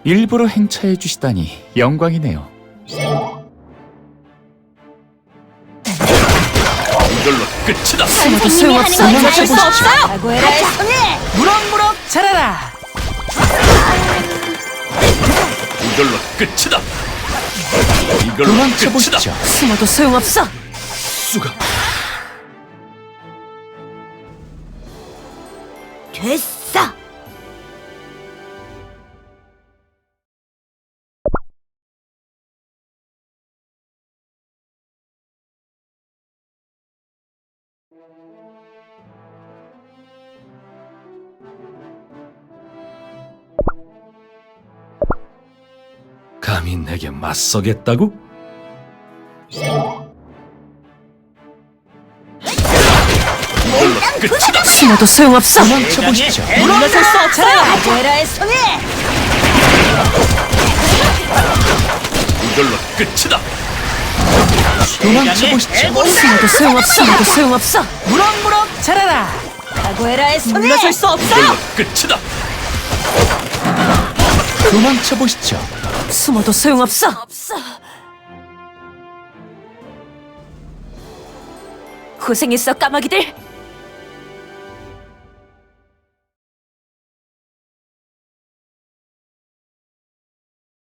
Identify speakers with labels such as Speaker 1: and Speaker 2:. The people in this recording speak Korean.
Speaker 1: 일부러 행차해 주시다니 영광이네요.
Speaker 2: 이걸로 끝이다.
Speaker 3: 숨어도 소용없어.
Speaker 4: 멈출 수 없어요.
Speaker 3: 각오해라의 손에
Speaker 4: 무럭무럭 자라라.
Speaker 2: 이걸로 끝이다. 이걸로
Speaker 1: 도망쳐
Speaker 2: 끝이다.
Speaker 1: 보시죠.
Speaker 3: 숨어도 소용없어.
Speaker 2: 수가
Speaker 3: 됐어.
Speaker 2: 감히 내게 맞서겠다고? 이걸로 끝이다.
Speaker 3: 숨어도 소용없어.
Speaker 1: 도망쳐 보시죠.
Speaker 4: 물러설 수 없어요.
Speaker 3: 각오해라의 손에
Speaker 2: 이걸로 끝이다.
Speaker 1: 도망쳐 보시죠.
Speaker 3: 숨어도 소용없어. 숨어도 소용없어.
Speaker 4: 무럭무럭 자라라.
Speaker 3: 각오해라의 손에
Speaker 4: 물러설 수 없어요.
Speaker 2: 이걸로 끝이다.
Speaker 1: 도망쳐 보시죠.
Speaker 3: 숨어도 소용없어. 고생했어 까마귀들.